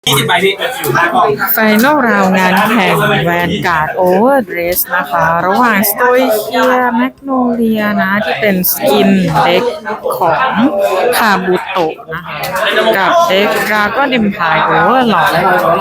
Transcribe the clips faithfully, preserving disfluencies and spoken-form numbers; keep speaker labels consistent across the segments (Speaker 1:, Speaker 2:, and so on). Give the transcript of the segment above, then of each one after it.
Speaker 1: ยี่สิบใบพี่
Speaker 2: ไฟนอลราวงานแข่งแวนการ์ดโอเวอร์เดรสนะคะ ระหว่างสโตยเคียแมกโนเลียนะ ที่เป็นสกินเด็กของคาบูโตะนะคะกับเด็กดราก้อนเอ็มพายโอเวอร์หลอด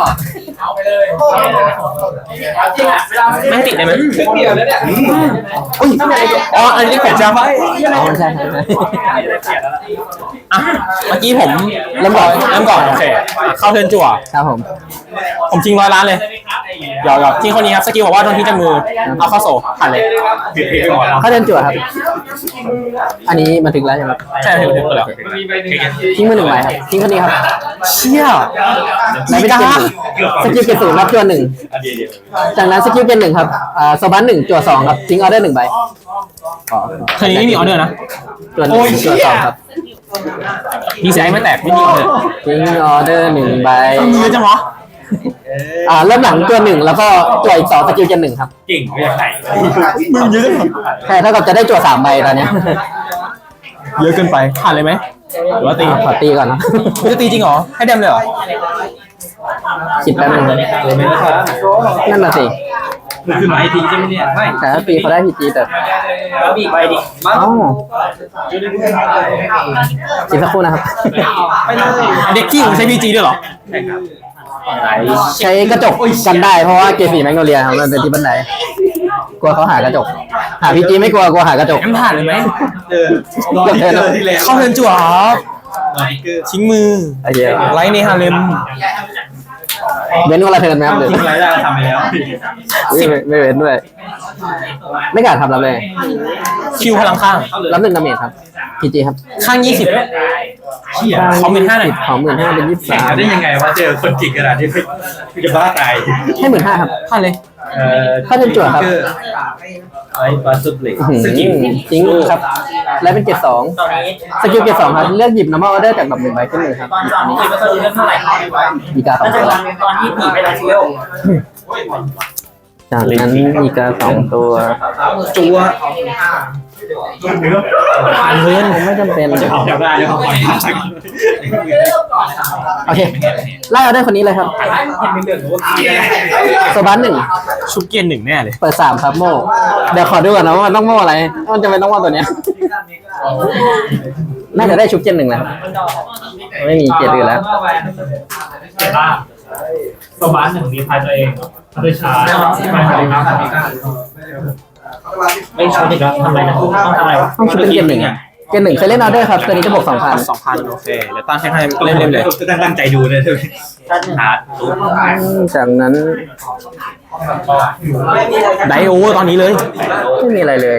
Speaker 1: ไม่ติดได้ไหมอุ้ยอ๋ออันนี้ผมจำไว้
Speaker 3: อ๋อใช่ใช่ใช่
Speaker 1: อ่ะเมื่อกี้ผมเริ่มก่อนเริ่มก่อนโอเคเข้าเทิร์นจั่ว
Speaker 3: ครับผม
Speaker 1: ผมทิ้งร้อยล้านเลยหยอกหยอกทิ้งคนนี้ครับสกิลบอกว่าโดนที่จมือเอาเข้าโซ่ผ่านเลย
Speaker 3: เขาเดินจั่วครับอันนี้มาถึงแล้วใช่ไหม
Speaker 1: ใช่ถึงถึงแล้ว
Speaker 3: ทิ้งมาหนึ่งใบครับทิ้งคนนี้ครับ
Speaker 1: เชี่ย
Speaker 3: ไม่เป็นเกมสกิลเกมศูนย์รับจั่วหนึ่งจากนั้นสกิลเกมหนึ่งครับอ่าโซบันหนึ่งจั่วสองครับทิ้งออเดอร์หนึ่งใบ
Speaker 1: คนนี้ไม่มีออเดอร์นะ
Speaker 3: จั่วหนึ่งจั่วสองครับ
Speaker 1: มีเสียงไม่แตกไม่มีออเดอร์
Speaker 3: ทิ้งออเดอร์หนึ่งใบ
Speaker 1: เยอะจังวะ
Speaker 3: อ่าเริ่มหลังตัวหนึ่งแล้วก็ตัวอีกสองสกิลเกมหนึ่งครับ
Speaker 1: เก่งไม่ใช่มึงเยอะจัง
Speaker 3: ใช่เท่ากับจะได้จั่วสามใบตอนนี้
Speaker 1: เยอะเกินไปผ่านเลยไหมหรือว่าตี
Speaker 3: ขอตีก่อนนะ
Speaker 1: จะตีจริงเหรอให้เดมเลยเหรอ
Speaker 3: คิดแป๊บนึงนั่นน่ะสิ
Speaker 1: คือหมายทีใช่ไหมเนี่ยไม่
Speaker 3: แต่ถ้าตีเขาได้พีจีแต่
Speaker 1: แล้วมีใบดิ
Speaker 3: อ๋ออีกสักครู่นะครับ
Speaker 1: เด็กขี้ผมใช้พีจีด้วยเหรอ
Speaker 3: ใช้กระจกกันได้เพราะว่าเกสี่แมกโนเลียมันเป็นที่บันไดกลัวเขาหากระจกหาพีจีไม่กลัวกลัวหากระจก
Speaker 1: งั้นผ่านเลยไหม
Speaker 3: เออ
Speaker 1: เข้าเทิร์นจั่วครับทิ้งมือไลท์ในฮาเลม
Speaker 3: เว้นวันละเทิร์นไหมครับหรือ
Speaker 1: ทิ้งไลท์ได้ทำไปแล้ว
Speaker 3: ไม่เว้นด้วยไม่กล้าทำรับเลย
Speaker 1: คิวพลังข้าง
Speaker 3: รับหนึ่งดาเมจครับพีจีครับ
Speaker 1: ข้างยี่สิบเขาเป็นห้าหน่อย
Speaker 3: ของหมื่นห้าเป็นยี่สิบสาม
Speaker 1: ได้ยังไงว่าเจอคนจิกขนาดนี้พี่จะบ้าตาย
Speaker 3: ให้หมื่นห้าครับ
Speaker 1: ผ่านเลย
Speaker 3: ถ้าเป็นจั่วครับ
Speaker 1: ไอ้ปลาสุดเหล็ก
Speaker 3: สกิลจริงครับและเป็นเกรดสองสกิลเกรดสองครับเลือกหยิบ normal order จากแบบหนึ่งใบขึ้นเลยครับ
Speaker 1: ตอนนี้ไม่เคยเล่นเท่าไหร่
Speaker 3: มีการสองตัว
Speaker 1: ตอนนี้ผีไปแล้วชิว
Speaker 3: จากนั้นมีกาสองตัว
Speaker 1: จัว
Speaker 3: ผ่านเพื่อนไม่จำเป็นโอเคไล่เอาได้คนนี้เลยครับโซบันหนึ่ง
Speaker 1: ชุบเกียร์หนึ่งแน่เลย
Speaker 3: เปิดสามครับโม่เดี๋ยวขอดูก่อนนะว่ามันต้องโม่อะไรมันจะเป็นต้องโม่ตัวเนี้ยน่าจะได้ชุบเกียร์หนึ่งแล้วไม่มีเกียร์อื่นแล้ว
Speaker 1: โซบันหนึ่งมีพายตัวเองพัฒชาไม่ทำครับไม่ชุบอีกแล้วทำไรนะต้องทำอะไรวะ
Speaker 3: ต้องชุบเป็นเกมหนึ่งอ่ะเกมหนึ่งเคยเล่นออเดอร์ครับตัวนี้จะบวกสองพัน
Speaker 1: สองพันโอเคเดี๋ยวตั้งให้ให้เล่นเล่นเลยตั้งใจดูเลยหา
Speaker 3: จากนั้น
Speaker 1: ไดโอเวอร์ตอนนี้เลย
Speaker 3: ไม่มีอะไรเลย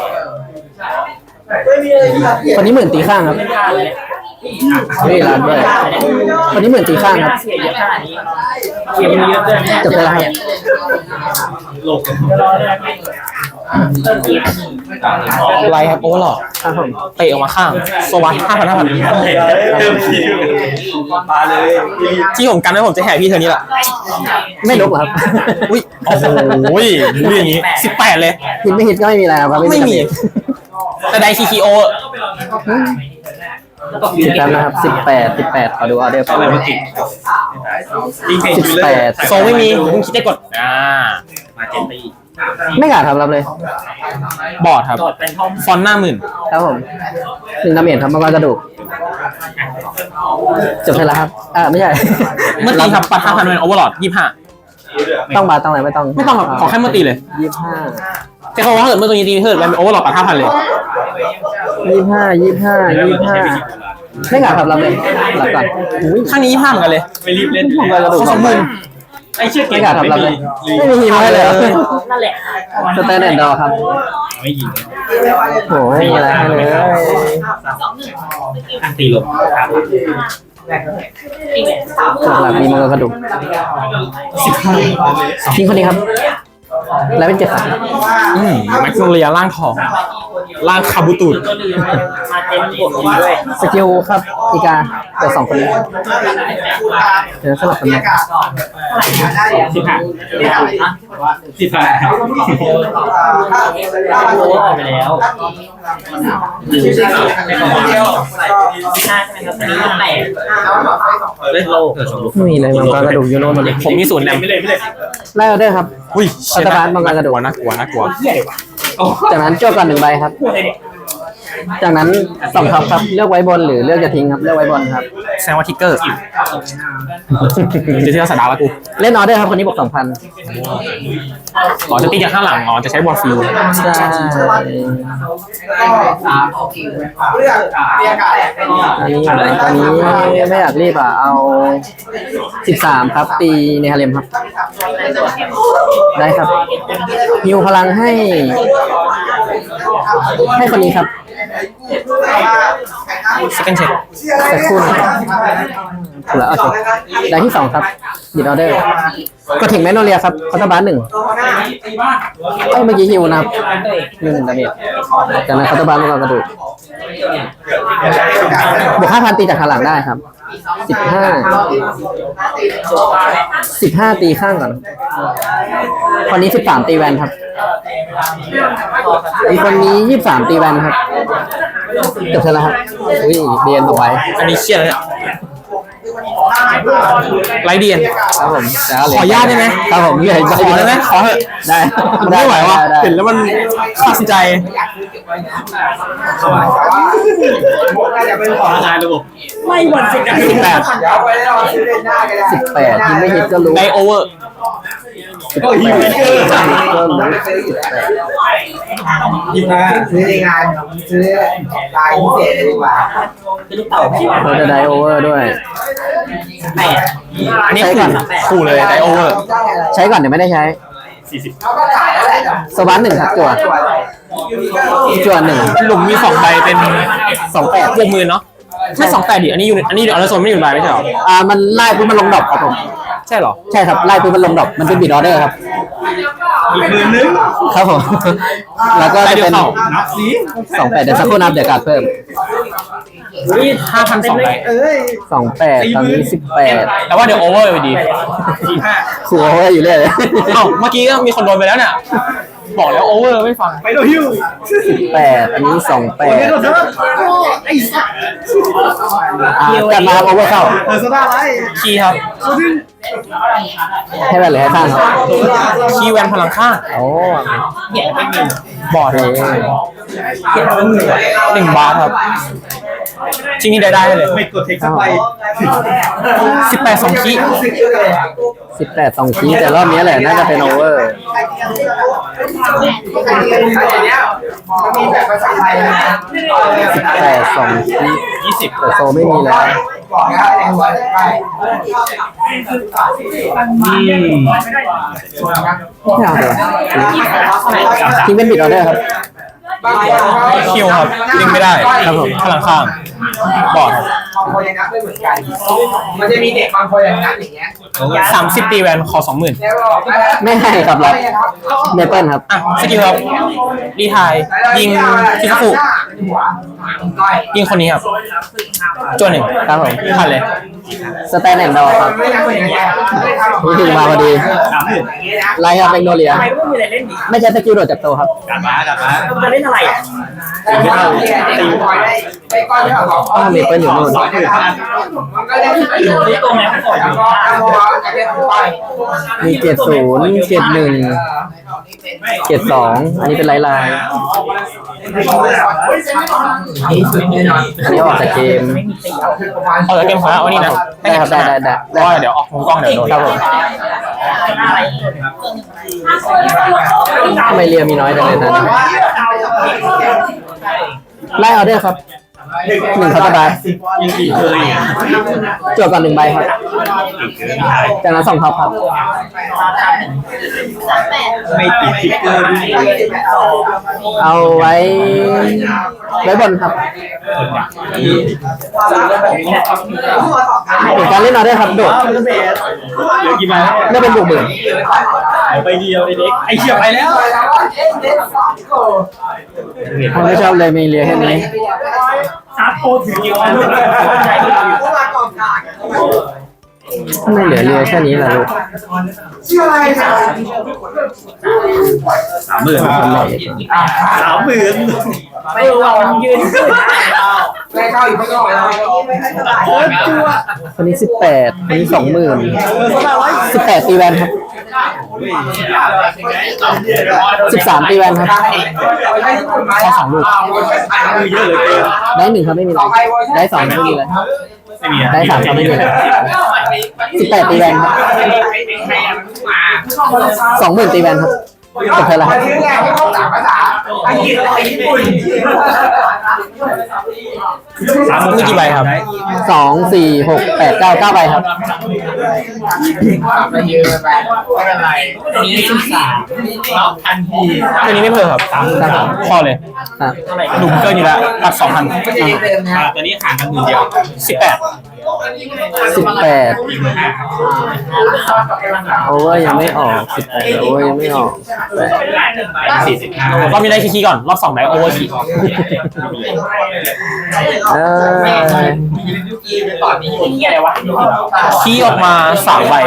Speaker 3: คนนี้หมื่นตีข้างครับไม่ร้านด้วยคนนี้หมื่นตีข้างครับจบไปแล้วครับ
Speaker 1: ไลครับโอ้หรอ
Speaker 3: ครับผม
Speaker 1: เตะออกมาข้างโซวัตห้าพันห้าพันเติมคิวมาเลยที่ผมกันไว้ผมจะแห่พี่เธอนี้แหละ
Speaker 3: ไม่ลบหรอครับ
Speaker 1: อุ้ยโอ้โหบู๊อย่างนี้สิบแปดเลย
Speaker 3: ฮิตไม่ฮิตก็ไม่มีอะไรครับ
Speaker 1: ไม่มีแต่ไดซีคีโอ
Speaker 3: สิบแปดนะครับสิบแปดสิบแปดขอดูออเดอร์ไปสิบแปด
Speaker 1: โซไม่มีคุณคิดได้กดอ่ามาเจนตี
Speaker 3: ไม่กล้าทำรับเลย
Speaker 1: บอร์ดครับฟอนต์หน้าหมื่น
Speaker 3: ครับผมหนึ่งดาเมจครับมากระดูกจบไปแล้วครับอ่าไม่ใช่
Speaker 1: เมื่อตีครับปัดห้าพันเป็นโอเวอร์ลอดยี่ห้า
Speaker 3: ต้องบาต้องอะไรไม่ต้อง
Speaker 1: ไม่ต้องขอแค่เมื่อตีเลย
Speaker 3: ยี่ห้า
Speaker 1: แต่เขาว่าเกิดเมื่อตัวนี้ตีเพิ่มเป็นโอเวอร์ลอดปัดห้าพันเลย
Speaker 3: ยี่ห้ายี่ห้ายี่ห้าไม่กล้าทำรับเลยรับก่อน
Speaker 1: ข้างนี้ยี่ห้าเหมือนกันเลย
Speaker 3: ไม่รีบเล่น
Speaker 1: เขาสองหมื่น
Speaker 3: ไอ้เชือกไม่กล้าทำรับเลยไม่มีไม่เลยนั่นแหละสแตนเดอร์ดอครับ
Speaker 1: ไม่ยิง
Speaker 3: โอ้ไม่มีอะไรเลย
Speaker 1: ตีลง
Speaker 3: หลักมีมือกระดูกทิ้งคนนี้ครับแล้วเป็นเจ็ดสาม
Speaker 1: อืมแม็กซ์เลียร่างทองร่างคาบุตุ
Speaker 3: สกิลครับอีกาเกิดสองคนนี้เดี๋ยวสลับกันนะ
Speaker 4: สิบห้าสิบห้าโอ้ไปแล้วไม่ใช่ใช่ไหมครับอันนี้มันแตกเล่นโล
Speaker 3: ไม่มีเลยมังกรกระดูกยูโน่หมดเลย
Speaker 1: ผมมีศูนย์แนม
Speaker 4: ไม่เลยไม่เลย
Speaker 3: ไล่ออเดอร์ครับ
Speaker 1: อุ้ย
Speaker 3: อัตบาลมังกรกระดูก
Speaker 1: น่ากลัวน่ากลัว
Speaker 4: เหี้ยเลยว่ะ
Speaker 3: จากนั้นโจก่อนหนึ่งใบครับ จากนั้นสองท็อปครับเลือกไว้บนหรือเลือกจะทิ้งครับเลือกไว้บนครับ
Speaker 1: แซงว่าทิกเกอร์จะเที่ยวสตาร์แล้วกู
Speaker 3: เล่นออเดอร์ครับคนนี้บวกสองพัน
Speaker 1: อ๋อจะตีจากข้างหลังอ๋อจะใช้บอลฟิล
Speaker 3: ใช่ อันนี้อันนี้ไม่อยากรีบอ่ะเอาสิบสามครับตีในฮาเลมครับ ได้ครับฮิวพลังให้ ให้คนนี้ครับ
Speaker 1: สแกนเช็ค
Speaker 3: สักครู่นะครับถูกแล้วโอเคได้ที่สองครับดิดออเดอร์ก็ถึงแมนโนเลียครับคอร์ตบาร์หนึ่งเอ้ยเมื่อกี้ฮิวนะครับหนึ่งดาเมจจากนั้นคอร์ตบาร์มังกรกระดูกบวกห้าพันตีจากข้างหลังได้ครับสิบห้าสิบห้าตีข้างก่อนคนนี้สิบสามตีแวนครับอีกคนนี้ยี่สิบสามตีแวนครับจบเท่าไหร่ครับอุ้ยเรียนเอาไว้
Speaker 1: อันนี้เครียดเลยไรเดียน
Speaker 3: ครับผมแต่ก็เหลื
Speaker 1: ขออนุญาตได้ไหม
Speaker 3: ครับผมเหลืออีกใบ
Speaker 1: ขอได้ไหมขอเถอะ
Speaker 3: ได้
Speaker 1: มันไม่ไหวว่ะ
Speaker 3: ด้
Speaker 1: เห็นแล้วมันขาดสินใจ
Speaker 4: ขอทายระบบไม่หวั่นสิ
Speaker 1: สิบแปด
Speaker 3: สิบแปดยิงไม่ฮิตก็รู้
Speaker 1: ไดโอเวอร์
Speaker 4: ก็หิวเกอร์
Speaker 3: ก็รู้สิบแปด
Speaker 4: หิวนะ
Speaker 5: ซื้อในงานซื้อลายพิเศษดีกว่า
Speaker 4: คือลูกเต่าพี่
Speaker 3: เราจะได้โอเวอร์ด้วย
Speaker 4: แปด
Speaker 1: อันนี้ขู่ขู่เลยไดโอเวอร์
Speaker 3: ใช้ก่อนเดี๋ยวไม่ได้ใช้
Speaker 4: สี่สิบ
Speaker 5: เขาก็ขายแล้วแหละ
Speaker 3: สวัสดหนึ่งครับจั่วจั่วหนึ่ง
Speaker 1: หลุมมีสองใบเป็นสองแปดบวกหมื่นเนาะไม่สองแปดดิอันนี้อยู่อันนี้ออร์โซนไม่อยู่ในใบไม่ใช่หรอ
Speaker 3: อ่ามันไล่ปุ๊บมันลงดอกครับผม
Speaker 1: ใช่หรอ
Speaker 3: ใช่ครับไล่ปุ๊บมันลงดอกมันเป็นบิดออเดอร์ครับ
Speaker 4: อีกหมื่นนึง
Speaker 3: ครับผมแล้วก็จะเป็น
Speaker 4: นับสี
Speaker 3: สองแปดเดี๋ยวสักครู่นับเดี๋ยวการดเพิ่ม
Speaker 1: นี่ห้าพันสองใบ
Speaker 5: เอ้ย
Speaker 3: สองแปดตอนนี้สิบแปด
Speaker 1: แต่ว่าเดี๋ยวโอเวอร์ไปดี
Speaker 4: สี่ห้า
Speaker 3: ขู่โอเวอร์อยู่เรื่อยเลย
Speaker 1: เอ้าเมื่อกี้ก็มีคนโดนไปแล้วเนี่ยบอกแล้วโอเวอร์ไม่ฟัง
Speaker 4: ไปโดฮิว
Speaker 3: สิบแปดอันนี้สองแปด
Speaker 4: โดนเถอะไอ้สัส
Speaker 3: อ่าจัดมาโอเวอร์เข้า
Speaker 4: เออโซดาไร
Speaker 1: คีย์ครับ
Speaker 3: ให้แวนหรือให้ข้างครับ
Speaker 1: คีย์แวนพลังข้าง
Speaker 3: โอ้
Speaker 1: บอร์ด
Speaker 3: โอเค
Speaker 1: หนึ่งบาทครับชิ้นนี้ได้ได้เลย
Speaker 4: ไม่กดเทคสักใบ
Speaker 1: สิบแปดสองคีย์
Speaker 3: สิบแปดสองคีย์แต่รอบนี้แหละน่าจะเป็นโอเวอร์
Speaker 5: มันมีแบบภาษาไทยนะ
Speaker 3: สิบแปดสองคีย์
Speaker 1: ยี่สิบ
Speaker 3: แต่โซไม่มีแล้ว
Speaker 5: บอกนะในหัวไป
Speaker 4: อืม
Speaker 3: ไม่เอาเดี๋ยวทิ้งเป็นบิดออเดอร์ครับ
Speaker 1: คิวครับยิงไม่ได้ครับผมพลังข้างบอร์ด
Speaker 5: บางคนยังนับไม่เหมือนกัน มันจะมีเด็กบางคนยังนับอย่างเงี้ย
Speaker 1: สามสิบตีแวนคอสองหมื่น
Speaker 5: แล้วบอก
Speaker 3: ไม่ให้ครับรับเนเปิลครับ
Speaker 1: อ่ะสกิลครับรีไทายยิงคิคาฟุยิงคนนี้ครับจวนหนึ่ง
Speaker 3: ครับผม
Speaker 1: ผ่านเลย
Speaker 3: สแตนแอนด์ดอครับ
Speaker 5: ไม่นับเหมือนกัน
Speaker 3: นี่ถึงมาพอดี
Speaker 4: สามหมื่น
Speaker 3: ไลน์ครับเป็นโนเลีย
Speaker 4: ทำไมไม่มีอะไรเล่นดิ
Speaker 3: ไม่ใช่สกิลโดดจากโตครับ
Speaker 4: กลับมากลับมาจะเล่นอะไรอ่ะ
Speaker 5: ตีบอยได้ได้ก้อนเท่ากับ
Speaker 3: อ้าวเมเปิลอยู่นู่น
Speaker 4: สองหมื่นห้า
Speaker 5: มันก็ได้ที่อยู่ที่ตรงนี้ก่อนแล้วก็เอาจะเรียกไป
Speaker 3: มีเกตศูนย์เกตหนึ่งเกตสองอันนี้เป็นไลน์ไลน์อันนี้ออกจากเกม
Speaker 1: เอาจากเกมของเราเอานี่นะ
Speaker 3: ได้ครับได้ได้ได้
Speaker 1: เพราะว่าเดี๋ยวออกมุมกล้องเดี๋ยวโดน
Speaker 3: ครับผมทำไมเรียมีน้อยจังเลยนะไล่ออเดอร์ครับหนึ่งคาร์บาร์
Speaker 4: ยิงกี่เคยอ่ะ
Speaker 3: จวบก่อนหนึ่งใบครับจากนั้นสองท็อปครับ
Speaker 4: ไม่ติดทิกเกอร์ด้วย
Speaker 3: เอาไว้ไว้บนครับเป็นการเล่นออเดอร์ครับโดด
Speaker 4: เหลือกี่ใบ
Speaker 3: ไม่เป็นบวกหมื่น
Speaker 4: ไปเดียวไอ้เด็กไอ้เหี้ยไปแล้ว
Speaker 3: ผมไม่ชอบเลยมีเรียแค่นี้
Speaker 4: ชาร์จโปรถือกี่วัน
Speaker 3: ทำไมเหลือเรือแค่นี้ล่ะลูก
Speaker 5: ชื่ออะไรนะ
Speaker 4: สามหมื่น
Speaker 3: คนไหน
Speaker 4: สามหมื่น
Speaker 5: ไม่รู้ว่ามันยืนไม่เข้าอีกไม่เข้าเลยโอ้ยจัว
Speaker 3: คนนี้สิบแปดคนนี้สองหมื่นสิบแปดตีแวนครับสิบสามตีแวนครับ
Speaker 5: ข้อสองลูก
Speaker 4: เยอะเลย
Speaker 3: ได้หนึ่งครับไม่มีอะไรได้สองไม่มีอะไร
Speaker 4: ไม่มี
Speaker 3: ได้สามครับไม่มีอะไรสิบแปดตีแวนครับสองหมื่นตีแวนครับจบเท่าไหร่
Speaker 5: อันนี้ไงที่เขาต่างภาษาอังกฤษกับญี่ปุ่น
Speaker 4: สามหมื่น
Speaker 1: มีกี่ใบครับ
Speaker 3: สองสี่หกแปดเก้าเก้าใบครับ
Speaker 5: มันเยอะไปไม่เป็นไร
Speaker 4: นี้สิบสามรับทันที
Speaker 1: ตัวนี้ไม่เพิ่มครับพอเลย
Speaker 3: ครับ
Speaker 1: หนุ่มเกินอยู่แล้วตัดสองพัน
Speaker 5: ไม่ใช่เดิมนะ
Speaker 4: ตัวนี้ห่างกันหมื่นเดียว
Speaker 1: สิบแปด
Speaker 3: สิบแปดโอเวอร์ยังไม่ออกสิบแปดโอเวอร์ยังไม่ออกแปด
Speaker 4: สี่สิบห้าร
Speaker 1: อบนี้ได้คีย์ก่อนรอบสองได้โอเวอร์คี
Speaker 3: เออ
Speaker 5: ตอนนี้ที่อะไรวะ
Speaker 1: คีย์ออกมาสามใบ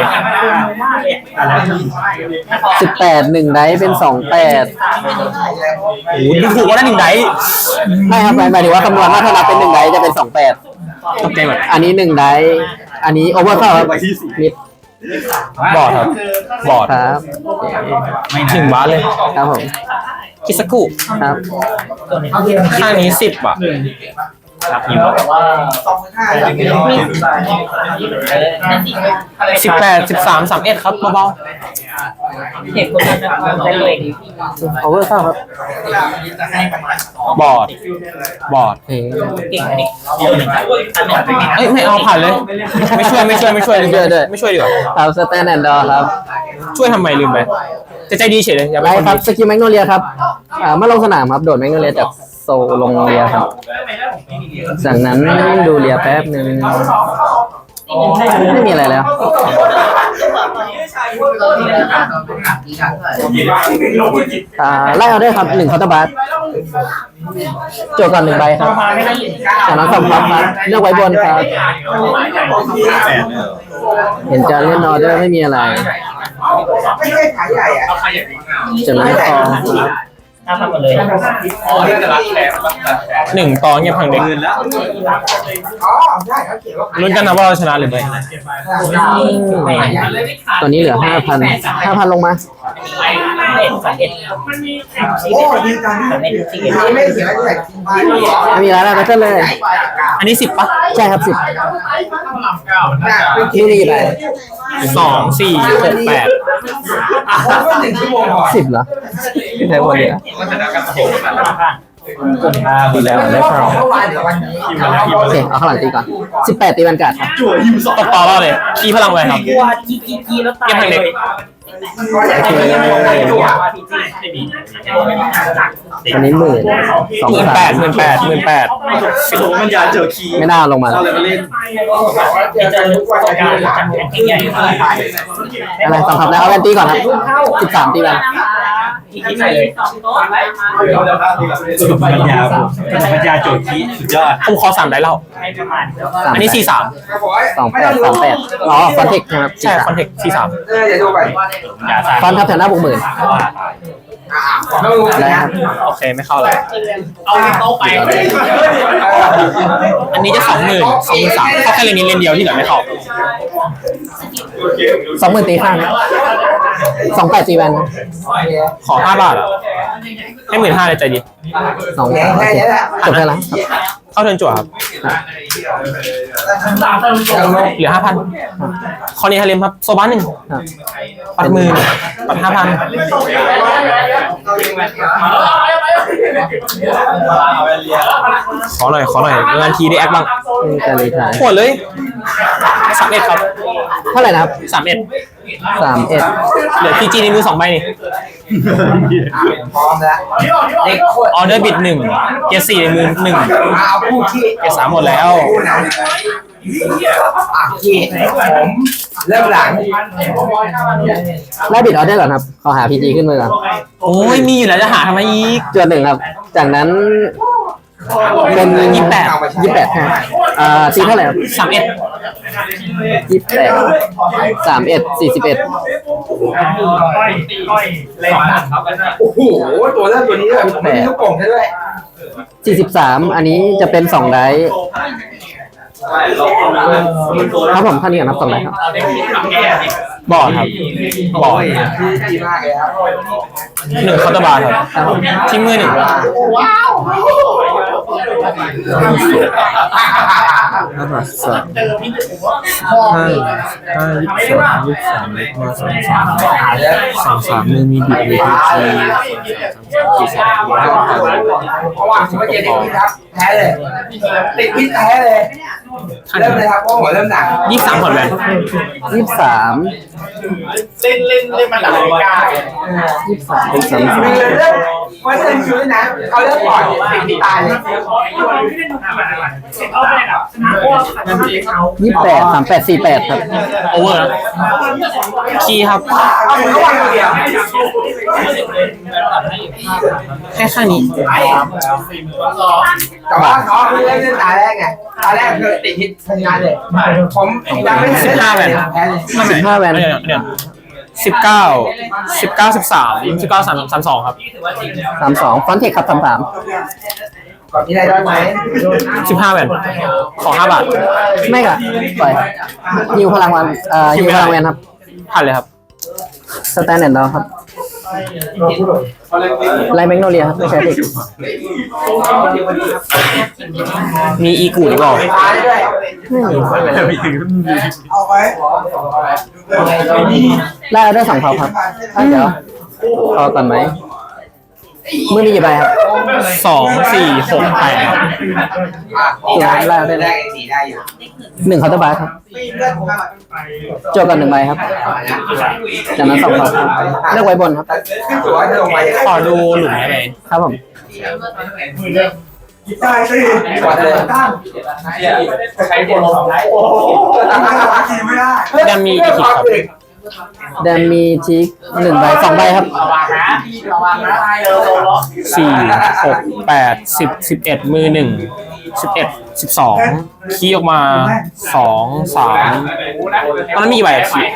Speaker 3: สิบแปดหนึ่งไดเป็นสองแปด
Speaker 1: โอ้โหดูถูกว่าได้หนึ่งได
Speaker 3: ไม่ครับหมายหมายถึงว่าคำนวณว่าถ้านับเป็นหนึ่งไดจะเป็นสองแปด
Speaker 1: ตกใจหมด
Speaker 3: อันนี้หนึ่งไดอันนี้โอเวอร์เข้าครับมิด
Speaker 1: บอร์ดครับบอร์ด
Speaker 3: ครับ
Speaker 1: หนึ่งบาทเลย
Speaker 3: ครับผม
Speaker 1: คิสกุ
Speaker 3: ครับ
Speaker 1: ข้างนี้สิบอ่ะ
Speaker 4: รับยิมบอกว่า
Speaker 5: สองห้า
Speaker 1: สิบแปดสิบสามสามเอ็ดครับเบา
Speaker 5: เด็กคนนั้นจะเลย
Speaker 3: โอเวอร์เข้าครับ
Speaker 1: ๆบอร์ดบอร์ด
Speaker 3: เฮ้ย
Speaker 5: เก่งเด็ก
Speaker 1: เอ้ยไม่เอาผ่านเลย ไม่ช่วยไม่ช่วยไม่ช่วยไม่ช่วยด้วยไม่ช่วยดีกว่า
Speaker 3: ครับสแตนแอนด์ดอร์ครับ
Speaker 1: ช่วยทำไมลืมไปจะใจดีเฉยเลยอย่าไป
Speaker 3: ไล่
Speaker 1: คน
Speaker 3: ครับ
Speaker 1: ดี
Speaker 3: สกิลแมกโนเลียครับอ่าเมื่อลงสนามครับโดดแมกโนเลียจากโซลงเลียครับจากนั้นดูเลียแป๊บหนึ่งไม่มีอะไรแล้วอ่าไล่เอาได้ครับหนึ่งคอร์ตบัสโจทย์ก่อนหนึ่งใบครับจากนั้นสองพับครับเลือกไว้บนครับ
Speaker 4: แปด
Speaker 3: เห็นจะเล่นออเดอร์ไม่มีอะไร
Speaker 5: ไม่ใช่ขายใหญ่อะ
Speaker 3: จากนั้นคอครับ
Speaker 4: ห้าพันหมดเลยอ๋อเรื่องแต่ละแชร์มันแบบ
Speaker 1: หนึ่งตอนเงียบพังเด็ก
Speaker 4: หมื่นแล้ว
Speaker 5: อ๋อใช่เขาเขียนว่า
Speaker 1: ลุ้นกันนะว่าเราชนะหรือไม่
Speaker 3: ตอนนี้เหลือห้าพันห้าพันลงมา
Speaker 5: โอ้ยการไม่ได้เขียนไม่เขียนอะไร
Speaker 3: ไม่มีอะไรแล้วก็เลย
Speaker 1: อันนี้สิบปะ
Speaker 3: ใช่ครับสิบนี่มีกี่ใบ
Speaker 1: สองสี่หกแปด
Speaker 5: หนึ่งชั่วโมงก่อน
Speaker 3: สิบเหรอใช่วันเดียว
Speaker 4: มันจะนับกันโผล่กันห้าหมดแล้ว
Speaker 3: ได้ครับ
Speaker 5: เมื่อวานเดี๋ยววันนี้
Speaker 3: โอเคเอาข้างหลังตีก่อนสิบแปดตีวันการ์ดครับ
Speaker 4: จั่วยิมสอง
Speaker 1: ตกต่อเราเลยคีพลังไว้ครับ
Speaker 5: ว่าจีจีจีแล้วตาย
Speaker 1: เงียบพังเด็ก
Speaker 5: ก็อยากจะมีตัว
Speaker 4: ไม่มี
Speaker 3: อันนี้หมื่นสอง
Speaker 1: หมื่น
Speaker 3: สา
Speaker 1: แป
Speaker 3: ม
Speaker 1: ดหมื่นแปดหมื่นแปด
Speaker 4: สิบมันยาเจอคีย์
Speaker 3: ไม่น่าลงมา
Speaker 4: เราเลยมาเล่น
Speaker 5: จะจะรู้ว่าจะการจังใหญ่
Speaker 3: อะไรสองครับแล้วเอาแวนตีก่อนครับสิบสามตีวัน
Speaker 5: ที่ใส่เลย
Speaker 4: สุดปัญญาปัญญาโจทย์คีย์สุดยอด
Speaker 1: ผมขอสามได้แล้ว
Speaker 3: สาม
Speaker 1: อันนี้สี่สาม
Speaker 3: สองแปดสามแปดอ๋อฟอนเทคนะครับ
Speaker 1: ใช่คอนเทคสี่สาม
Speaker 5: เออเดี๋ยวดูไป
Speaker 4: ยาสาม
Speaker 3: ฟอนทับแถวหน้าบวกหมื่น
Speaker 5: อ่าไม่รู้
Speaker 3: อะไร
Speaker 5: นะครับ
Speaker 1: โอเคไม่เข้าเลย
Speaker 5: เอาโต๊ะไป
Speaker 1: อันนี้จะสองหมื่นสองหมื่นสามเข้าแค่เลนนี้เลนเดียวที่เหลือไม่เข้า
Speaker 3: สองหมื่นตีข้างสองแปดตีแวน
Speaker 1: ขอห้าบาทอ่ะให้หมื่นห้าเลยใจดี
Speaker 3: สอง
Speaker 5: แค่
Speaker 3: สามโอเค
Speaker 5: นี้แหละ
Speaker 3: จบไปแล้วครับ
Speaker 1: เข้าเทิร์นจั่วครับเหลือห้าพันคอนี้ฮาเลมครับโซบ้านหนึ่ง
Speaker 3: ครับ
Speaker 1: ปัดมือปัดห้าพันขอหน่อยขอหน่อยงานทีได้แอคบ้าง
Speaker 3: มีการรีทาย
Speaker 1: โหดเลยสามเอ็ดครับ
Speaker 3: เท่าไหร่นะครับ
Speaker 1: สามเอ็ด
Speaker 3: สามเอ็ด
Speaker 1: เหลือพีจีในมือสองใบนี่
Speaker 5: พร้อมแล้วเด็กโคตร
Speaker 1: ออเดอร์บิดหนึ่งเกียร์สี่ในมือหนึ่ง
Speaker 5: เอาพูดที่
Speaker 1: เกียร์สามหมดแล้ว
Speaker 5: พูดนะอ่ะที่ผมเริ่มหลัง
Speaker 3: ไล่บิดออเดอร์ก่อนครับขอหาพีจีขึ้นมือก่อน
Speaker 1: โอ้ยมีอยู่แล้วจะหาทำไมอีก
Speaker 3: จวนหนึ่งครับ จากนั้นเป็น
Speaker 1: ยี่สิบแปด
Speaker 3: ยี่สิบแปดฮะอ่าตีเท่าไหร่ครับ
Speaker 1: สามเอ็ด
Speaker 3: ยี่สิบแปดสามเอ็ดสี่สิบเอ็ด
Speaker 5: โอ้โหตัวเริ่มตัวนี้แบบไม่มีลูกโป่งด้วย
Speaker 3: สี่สิบสามอันนี้จะเป็นสองไดส์ครับผมท่านนี้นับสองไดส์ครับ
Speaker 1: บอร์ดครับบอร์ด
Speaker 5: ดีมากเลยครับ
Speaker 1: หนึ่งเคาน์เตอร์บาร์ครับ
Speaker 3: ครับผม
Speaker 1: ทิ้งมือหนึ่ง
Speaker 6: ห้าบาทสามห้าห้ายี่สิบสองยี่สิบสามเล็กมาสองสามสองสามมือมีบิดเลยทีสามสามสี่สาม
Speaker 5: เพราะว่าผมว่าเจติดพิษครับแพ้เลยติดพิษแพ้เลยเริ่มเลยครับเพราะหัวเริ่มหนัก
Speaker 1: ยี่สิบสามผ่อนแวน
Speaker 3: ยี่สิบสาม
Speaker 4: เล่นเล่นเล่นมันหนักเลยกล้า
Speaker 3: ยี่สิบสามเป็นสามสิบ
Speaker 5: คือเริ่มว่าเริ่มคิวเลยนะเขาเริ่มก่อนติดพิษตายเลย
Speaker 3: ยี่สิบแปดสามแปดสี่แปดครับ
Speaker 1: โอเวอร์นะคีย์ครับ
Speaker 5: เอามือเข้าไปคนเดียว
Speaker 1: แค่ข้างนี้
Speaker 5: แต่ว่าเขาคือเริ่มเล่นตาแรกไงตาแรกคือติดพิษทำงานเลยผมยังไม่ทัน
Speaker 1: สิบห้าแวน
Speaker 5: แพ้เลย
Speaker 3: สิบห้าแวน
Speaker 1: เดี๋ยวเดี๋ยวสิบเก้าสิบเก้าสิบสามสิบเก้าสามสามสองครับ
Speaker 3: สามสองฟอนเทคครับสามสาม
Speaker 5: ก่อนมีอะไรได้ไหม
Speaker 1: สิบห้าแวนขอห้าบาท
Speaker 3: ไม่ค่ะปล่อยฮิวพลังวันเอ่อฮิวพลังแวนครับ
Speaker 1: ผ่านเลยครับ
Speaker 3: สแตนเดอร์ดอครับไลแมกโนเลียครับไม่ใช่เด็ก
Speaker 1: มีอีกูหรือเปล่า
Speaker 5: ตายด้วย เอาไว้
Speaker 3: ไล่เอาได้สองเผาครับอ่ะเดี๋ยวพอก่อนไหมมือมีกี่ใบครับ
Speaker 1: สองสี่หกแปด
Speaker 5: ได้ได้ได้ได้สีได้อยู่
Speaker 3: หนึ่งเคาน์เตอร์บาร์ครับโจกันหนึ่งใบครับจากนั้นสองเผาครับเลือกไว้บนครับ
Speaker 5: ขึ้นตัวจะลงไป
Speaker 1: ขอดูหลุมได้ไหม
Speaker 3: ครับผม
Speaker 5: ได้สิก่อนเลยตั้งใช้บนโอ้โหตั้งทีไม่ได้
Speaker 1: ยังมีอีกครับ
Speaker 3: แดมมีทิกหนึ่งใบสองใบครับ
Speaker 1: สี่หกแปดสิบสิบเอ็ดมือหนึ่งสิบเอ็ดสิบสองคีย์ออกมาสองสามตอนนั้นมีกี่ใบอะคีย์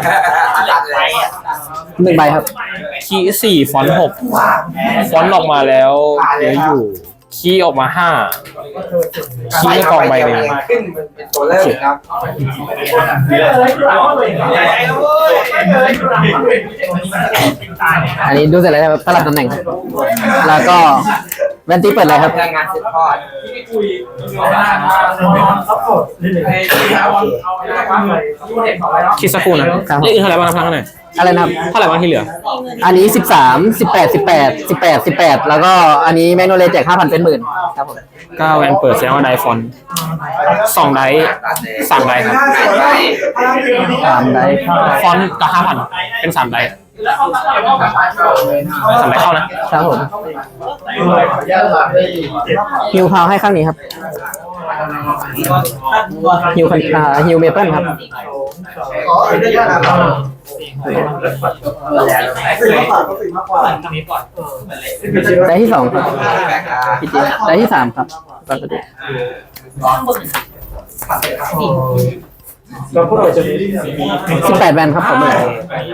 Speaker 3: หนึ่งใบครับ
Speaker 1: คีย์สี่ฟอนต์หกฟอนต์ออกมาแล้วเหลืออยู่คีย์ออกมาห้าคีย์ในกองใบหนึ่ง
Speaker 5: ขึ้นเป็นตัวเริ่มครับ
Speaker 3: อันนี้ดูเสร็จแล้วครับสลับตำแหน่งครับแล้วก็แวนตี้เปิดเลยครับ
Speaker 5: งานเสร็จทอด
Speaker 1: คิดสักครู่นะเลขอื่นเท่าไหร่บ้างนะพลังเท่าไหร่
Speaker 3: อะไรนะครับ
Speaker 1: เท่าไหร่บ้างที่เหลือ
Speaker 3: อันนี้สิบสามสิบแปดสิบแปดสิบแปดสิบแปดแล้วก็อันนี้แมกโนเลียแจกห้าพันเป็นหมื่นครับผม
Speaker 1: เก้าแวนเปิดแสดงว่าไดฟอนต์สองไดสามไดครับ
Speaker 3: สามไดเข้า
Speaker 1: ฟอนต์กับห้าพันเป็นสามไดสามไดเข้านะครับ
Speaker 3: ผมฮิวพาวให้ข้างนี้ครับฮิวคันอ่าฮิวเมเปิลครับได้ที่สองครับพี่จีได้ที่สามครับปกติสิบแปดแวนครับผมเลย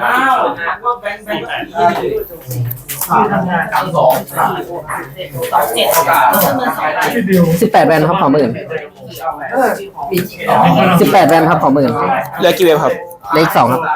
Speaker 3: สิบแปดแวนครับขอหมื่นสิบแปดแวนครับขอหมื่น
Speaker 1: เหลือกี่เวฟครับ
Speaker 3: เลขสองครับ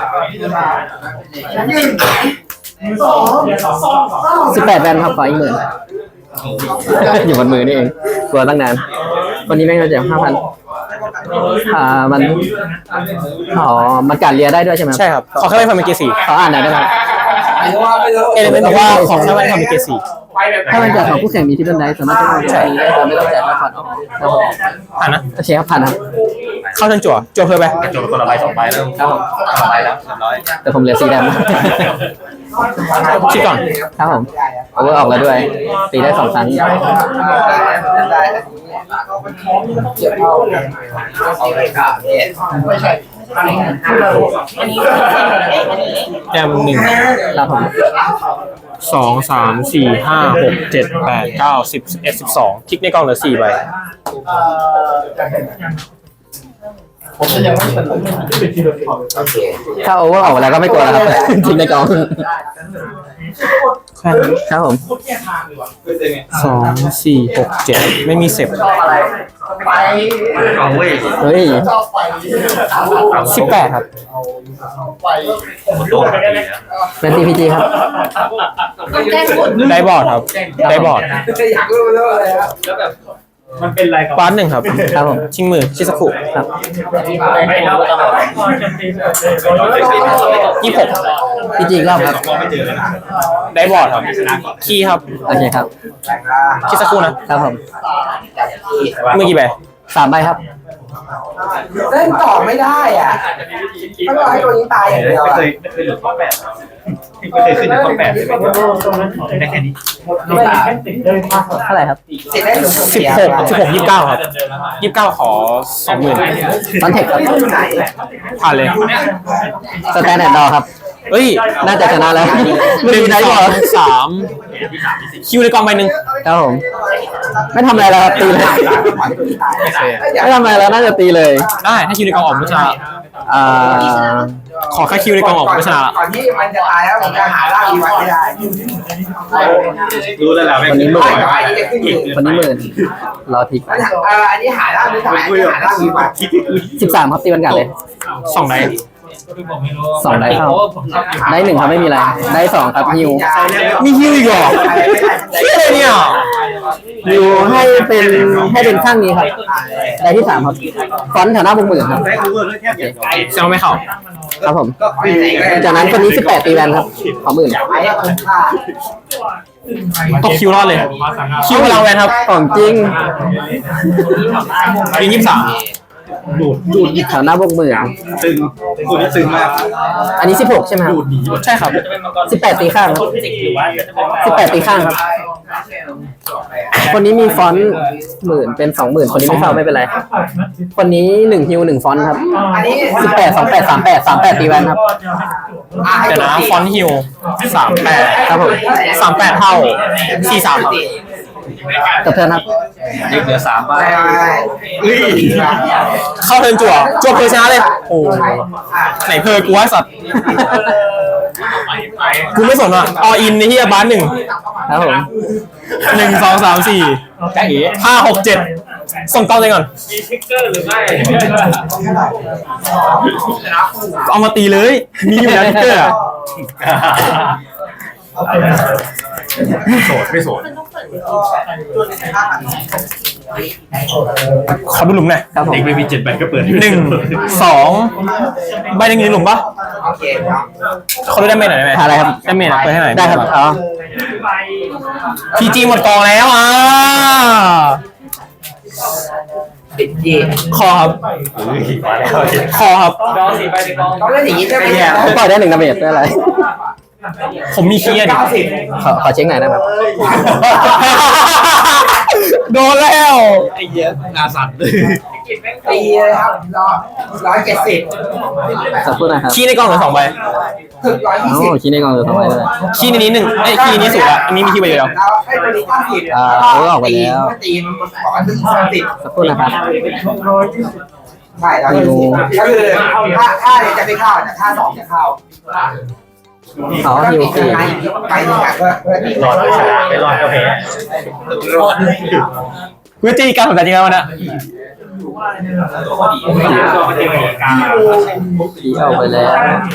Speaker 3: สิบแปดแวนครับขออีกหมื่นอยู่บนมือนี่เองกลัวตั้งนานวันนี้แม่งจะแจกห้าพันอ่ามันอ๋อมันการเรียได้ด้วยใช่ไหม
Speaker 1: ใช่ครับขอแค่ไม่ทำเป็นเกสี่
Speaker 3: ขออ่านหน่อยได้ไหม
Speaker 1: เอเลเมนต์บอกว่าขอแค่ไม่ทำเป็นเกสี่
Speaker 3: ถ้ามันจากของผู้แข่งมีที่เป็นได้สามารถจะใช้ได้โดยไม่ต้องจ่ายค่าผ่อนออกครับผม
Speaker 1: ผ่านนะ
Speaker 3: โอเคครับผ่านครับ
Speaker 1: เข้าเทิร์นจั่วจั่วเพิ่มไป
Speaker 4: จบคนละใบสองใบแล้ว
Speaker 3: ครับผม
Speaker 4: สองใบแล้วเรียบร้อย
Speaker 3: แต่ผมเหลือสีดำ
Speaker 1: คิดก่อน
Speaker 3: ครับผมโอเวอร์ออกแล้วด้วยตีได้สองครั้ง
Speaker 5: เกี่ยวเข้าเอาเลยครับไม่ใช่
Speaker 1: แจมหนึ่ง
Speaker 3: ครับผม
Speaker 1: สองสามสี่ห้าหกเจ็ดแปดเก้าสิบสิบเอ็ดสิบสองคลิกในกล่องเหลือสี่ใบ
Speaker 5: ผมจะยังไม่เฉลยโอเค
Speaker 3: ถ้าโอเวอร์ออกแล้วก็ไม่กลัวแล้วครับทิ้งในกอง
Speaker 1: แค่นี้
Speaker 3: ครับผม
Speaker 1: สองสี่หกเจ็ดไม่มีเสพ
Speaker 5: ไปเอาเว้ย
Speaker 3: เฮ้ย
Speaker 1: สิบแปดครับ
Speaker 3: เป็น ซี พี จี ครับ
Speaker 1: ได้บอร์ดครับ ได้บอร์ด
Speaker 5: อยากรู้เรื่องอะไรครับ
Speaker 4: มันเป็นอะไรกับ
Speaker 1: บ้านหนึ่งครับ
Speaker 3: ครับผม
Speaker 1: ชิงมือชิสกุ
Speaker 3: ครับ
Speaker 4: ไม่เอา
Speaker 1: ยี่สิบหก
Speaker 3: พีจีอีกรอบครับ
Speaker 1: ได้บอร์ดครับ คีย์ครับ
Speaker 3: โอเคครับ
Speaker 1: คิดสักครู่นะครับ
Speaker 3: ผม
Speaker 1: มือกี่ใบ
Speaker 3: สามใบครับ
Speaker 5: เล่นต่อไม่ได้อ่ะไม่ต้องให้ตัวนี้ตายอย่างเดียว
Speaker 4: ไม่
Speaker 5: อ่ะ
Speaker 4: เคยไม่เคยหลุดข้อแปดไม่เคยขึ้นถึงข้อแปดเลยได้แค่นี้
Speaker 3: เท่าไหร่ครับ
Speaker 5: สิบได้ถึง
Speaker 1: สิบหกสิบหกยี่สิบเก้าครับยี่สิบเก้าขอสองหมื่น
Speaker 3: คอนเทคครับ
Speaker 1: ผ่านเลย
Speaker 3: สแตนดาร์ดดอครับ
Speaker 1: เฮ้ย
Speaker 3: น่าจะชนะแล้ว
Speaker 1: ห
Speaker 3: ไม่
Speaker 1: นึ่ง
Speaker 3: มีได้
Speaker 1: ส
Speaker 3: บ
Speaker 1: อ
Speaker 3: อก
Speaker 1: งสามคิวในกองใบหนึ่ง
Speaker 3: ครับผม ไม่ทำอะไรแล้วครับตีเลย
Speaker 1: โอเค
Speaker 3: ไม่ทำอะไรแล้วน่าจะตีเลย
Speaker 1: ได้ถ้าคิวในกองออกก็ชนะ
Speaker 3: อ่า
Speaker 1: ขอแค่คิวในกองออกก็ชนะละ
Speaker 5: ก่อนที่มันจะตายแล้วผมจะหาร่างอีวันไม่ได้
Speaker 4: รู้แล้วแหละไม่
Speaker 3: วันนี้หมื่น
Speaker 5: ไอ้นี่จะขึ้นอยู่
Speaker 3: วันนี้หมื่นรอทิก
Speaker 5: เอออันนี้หาร่างไม่ได้อันนี้หาร่างอีวัน
Speaker 3: สิบสามครับตีวันกันเลย
Speaker 1: สองได้
Speaker 3: สองได้เข้า ได้หนึ่งครับไม่มีอะไร ได้สองครับฮิว
Speaker 1: มีคิวอีกเหรอเชื่อเลยเนี่ย
Speaker 3: ฮิวให้เป็นให้เป็นข้างนี้ครับ ได้ที่สามครับฟอนต์แถวหน้าบุกหมื่นครับ
Speaker 4: ได้รู้เรื่องแค่เดียว
Speaker 1: เซลไม่เข้า
Speaker 3: ครับผม
Speaker 5: ก็ไม่ได้
Speaker 3: จากนั้นคนนี้สิบแปดตีแวนครับขอหมื่น
Speaker 5: ไอ้คุ้มค่า
Speaker 1: ตกคิวรอดเลย คิวพลังแวนครับ
Speaker 3: ของจริง
Speaker 1: ยิงยี่สิบสาม
Speaker 4: ดูดดูด
Speaker 3: แถวหน้าบุกหมื่น
Speaker 4: ตึงดูดตึงมาก
Speaker 3: อันนี้สิบหกใช่ไหมครับ
Speaker 1: ใช่ครับ
Speaker 3: สิบแปดตีข้างครับสิบแปดตีข้างครับ คนนี้มีฟอนต์หมื่นเป็นสองหมื่นคนนี้ไม่เข้าไม่เป็นไร คนนี้หนึ่งฮิวหนึ่งฟอนต์ครับ
Speaker 5: อันนี้
Speaker 3: สิบแปดสองแปดสามแปดสามแปดตีแวนครับ
Speaker 1: เดี๋ยวนะฟอนต์ฮิวสามแปด
Speaker 3: ครับผม
Speaker 1: สามแปดเท่าสี่สามครับ
Speaker 3: กับเธอครับ
Speaker 4: ยิงเหลือสามใบ
Speaker 1: เข้าเทิร์นจั่วจั่วเพอร์ชนะเลย โอ้ไหนเพอร์กูว่าสัตว์ กูไม่สนอ่ะออินในที่บ้านหนึ่ง
Speaker 3: ครับผม
Speaker 1: หนึ่งสองสามสี่ห้าหกเจ็ดส่งกล้องเลยก่อน
Speaker 4: มีทิกเกอร์หรือไม่
Speaker 1: เอามาตีเลย มีอยู่แล้วทิกเกอร์อะ
Speaker 4: โสดไม่โสด
Speaker 1: ขอดูหลุมหน่อย
Speaker 3: ครับผม
Speaker 4: เด็กไม่มีเจ็ดใบก็เปิด
Speaker 1: หนึ่งสองใบหนึ่งอยู่ในหลุมปะ
Speaker 5: โอเคครับ
Speaker 1: เขาดูได้เมจหน่อยได้ไหม
Speaker 3: หาอะไรครับ
Speaker 1: ได้เมจหน่อยเปิดให้หน่อย
Speaker 3: ได้ครับอ๋อ
Speaker 1: พีจีหมดกองแล้วอ่ะ
Speaker 5: ปิดจี
Speaker 1: คอครับ คอครับ
Speaker 5: ต้องเล่นอย่างนี้ใช่ไหมเนี่ย
Speaker 3: ผมปล่อยได้หนึ่งดาเมจได้อะไร
Speaker 1: ผมมีเคียร์ดิ
Speaker 5: เก้าสิบ
Speaker 3: ขอขอเช็คหน่อยนะครับ
Speaker 1: โดนแล้ว
Speaker 4: ไอ้เหี้ยนาสั่นเลย
Speaker 5: ตีเลยครับร้อยร้อยเจ็ดสิบ
Speaker 3: สักครู่นะครับ
Speaker 1: คีย์ในกล่องเหลือสองใบ
Speaker 5: ถึงร้อยยี่
Speaker 3: โอ้
Speaker 5: สิบ
Speaker 3: คิดในกองเลยทำไมเลย
Speaker 1: คีย์ในนี้หนึ่งไอ้ยคีย์ในนี้สูงละอันนี้มีคีย์ใบเดียว
Speaker 5: แล้วให้ตัวนี้เก้าสิบ
Speaker 3: อ่าเออออกไปแล้ว
Speaker 5: ตีมันบอกว่าถึงสามสิบ
Speaker 3: สักครู่นะครับ
Speaker 5: ใช่ร้อยยี่สิบก็คือถ้าถ้าเนี่ยจะไม่เข้าแต่ถ้าสองจะเข้า
Speaker 3: เขาฮิวสี่
Speaker 5: ไปหนึ่งอ่ะก็ก็ตี
Speaker 4: รอดก็ชนะไม่รอดก็แพ้
Speaker 1: กูจะตีการแบบจริงแล้วนะ
Speaker 3: ผีออกไปแล้ว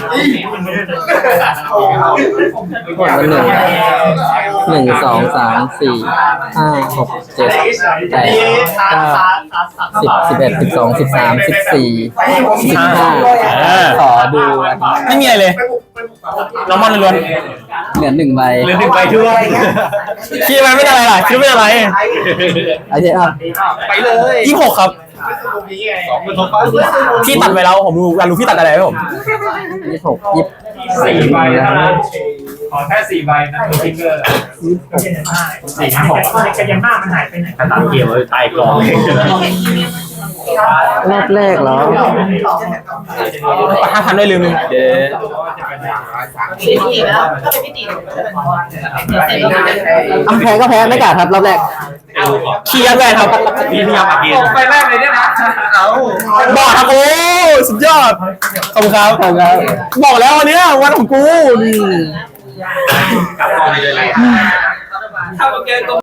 Speaker 3: กดมาหนึ่งหนึ่งสองสามสี่ห้าหกเจ็ดแปดเก้าสิบสิบเอ็ดสิบสองสิบสามสิบสี่สิบห้าขอดู
Speaker 1: ไม่มีอะไรเลยน้ำมันล้วน
Speaker 3: เหลือหนึ่งใบ
Speaker 4: เหลือหนึ่งใบทั่ว
Speaker 1: คีย์มันไม่อะไรล่ะคีย์ไม่อะไร
Speaker 3: ไอ้เจ๊ครับ
Speaker 4: ไปเลย
Speaker 1: ยี่สิบหกครับ
Speaker 4: สองเป็นทบป้า
Speaker 1: พี่ตัดไปแล้วผมรู้อยากรู้พี่ตัดอะไรไหมผม
Speaker 3: ยี่สิบหกยี่สิบ
Speaker 4: สี่ใบนะขอแค่สี่ใบนะทิกเกอร์สี่ห้าหกกันยังหน้ามันหายไปไหนตัดเกี่ยวเลยตายกอง
Speaker 3: รอบแรกเหรอ
Speaker 1: ห้าพันด้วยลืมหนึ่งเดี๋ยว
Speaker 3: อำแพ้ก็แพ้ไม่กล้าครับรอบแรก
Speaker 1: เคลียร์แวนครับ
Speaker 4: พี่พยายามอัดเกม
Speaker 5: ไปแรกเลยเนี่ยนะเอา
Speaker 1: บอกครับโอ้สุดยอดขอบคุณครับ
Speaker 3: ขอบคุณครับ
Speaker 1: บอกแล้ววันเนี้ยวันของกูนี่
Speaker 4: กลับกองไปเลย
Speaker 5: ถ้าเกมตรง